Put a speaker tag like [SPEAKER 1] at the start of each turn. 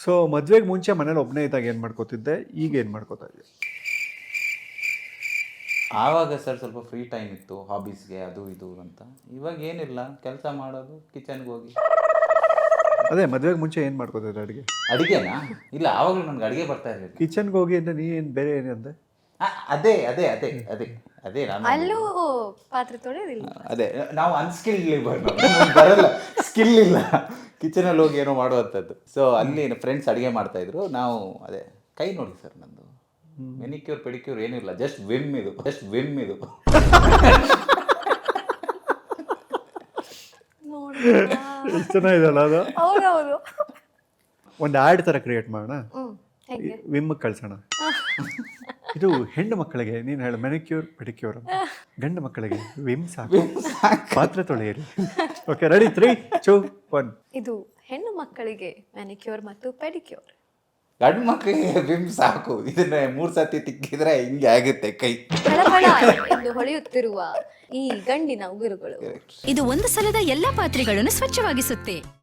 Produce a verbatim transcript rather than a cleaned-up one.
[SPEAKER 1] So ಮದ್ವೆಗೆ ಮುಂಚೆ ಮನೇಲಿ ಒಬ್ಬನೇ ಇದ್ದಾಗ ಏನು ಮಾಡ್ಕೋತಿದ್ದೆ, ಈಗ ಏನು ಮಾಡ್ಕೋತಾ ಇದ್ದೆ?
[SPEAKER 2] ಆವಾಗ ಸರ್ ಸ್ವಲ್ಪ ಫ್ರೀ ಟೈಮ್ ಇತ್ತು ಹಾಬೀಸ್ಗೆ ಅದು ಇದು ಅಂತ. ಇವಾಗ ಏನಿಲ್ಲ, ಕೆಲಸ ಮಾಡೋದು, ಕಿಚನ್ಗೆ ಹೋಗಿ.
[SPEAKER 1] ಅದೇ ಮದ್ವೆಗೆ ಮುಂಚೆ ಏನು ಮಾಡ್ಕೋತಾ ಇದ್ದೆ ಅಡುಗೆ?
[SPEAKER 2] ಅಡುಗೆನಾ? ಇಲ್ಲ, ಆವಾಗಲೂ ನನಗೆ ಅಡುಗೆ ಬರ್ತಾ ಇರಲಿಲ್ಲ.
[SPEAKER 1] ಕಿಚನ್ಗೆ ಹೋಗಿ ಅಂದರೆ ನೀ ಏನು ಬೇರೆ ಏನಂದೆ?
[SPEAKER 2] ಆ, ಅದೇ ಅದೇ ಅದೇ ಅದೇ ಅದೇ ನಾನು
[SPEAKER 3] ಅಲ್ಲೂ ಪಾತ್ರೆ ತೊಳೆಯೋದಿಲ್ಲ.
[SPEAKER 2] ಅದೇ ನಾವು ಅನ್ಸ್ಕಿಲ್ಡ್ ಲೇಬರ್, ಬರಲ್ಲ, ಸ್ಕಿಲ್ ಇಲ್ಲ ಕಿಚನಲ್ಲಿ ಹೋಗಿ ಏನೋ ಮಾಡುವಂಥದ್ದು. ಸೊ ಅಲ್ಲಿ ಫ್ರೆಂಡ್ಸ್ ಅಡುಗೆ ಮಾಡ್ತಾ ಇದ್ರು, ನಾವು ಅದೇ ಕೈ ನೋಡಿ ಸರ್ ನಂದು ಮೆನಿಕ್ಯೂರ್ ಪೆಡಿಕ್ಯೂರ್ ಏನಿಲ್ಲ, ಜಸ್ಟ್ ವಿಮ್ ಇದು, ಜಸ್ಟ್ ವಿಮ್ ಇದು.
[SPEAKER 3] ನೋಡಿ
[SPEAKER 1] ಎಷ್ಟು ಚೆನ್ನಾಗಿದೆಯಲ್ಲ ಅದು.
[SPEAKER 3] ಹೌದೌದು.
[SPEAKER 1] ಒಂದು ಆ್ಯಡ್ ಥರ ಕ್ರಿಯೇಟ್ ಮಾಡೋಣ,
[SPEAKER 3] ಹ್ಮ್ ಹೇಗೆ?
[SPEAKER 1] ವಿಮ್ಗೆ ಕಳ್ಸೋಣ. ಇದು ಹೆಣ್ಣು ಮಕ್ಕಳಿಗೆ ನೀನು ಹೇಳು ಮೆನಿಕ್ಯೂರ್ ಪೆಡಿಕ್ಯೂರ್ ಅಂತ, ಗಂಡು ಮಕ್ಕಳಿಗೆ ವಿಮ್ ಸಾಕು, ಪಾತ್ರೆ ತೊಳೆಯಿರಿ. Okay, ready, three two one.
[SPEAKER 3] ಇದು ಹೆಣ್ಣು ಮಕ್ಕಳಿಗೆ ಮ್ಯಾನಿಕ್ಯೂರ್ ಮತ್ತು ಪೆಡಿಕ್ಯೂರ್.
[SPEAKER 2] ಗಂಡು ಮಕ್ಕಳಿಗೆ ವಿಮ್ ಸಾಕು, ಇದನ್ನ ಮೂರು ಸತಿ ತಿಕ್ಕಿದ್ರೆ ಹಿಂಗೆ ಆಗುತ್ತೆ ಕೈ.
[SPEAKER 3] ಫಳಫಳ ಎಂದು ಹೊಳೆಯುತ್ತಿರುವ ಈ ಗಂಡಿನ ಉಗುರುಗಳು.
[SPEAKER 4] ಇದು ಒಂದು ಸಲದ ಎಲ್ಲಾ ಪಾತ್ರೆಗಳನ್ನು ಸ್ವಚ್ಛವಾಗಿಸುತ್ತೆ.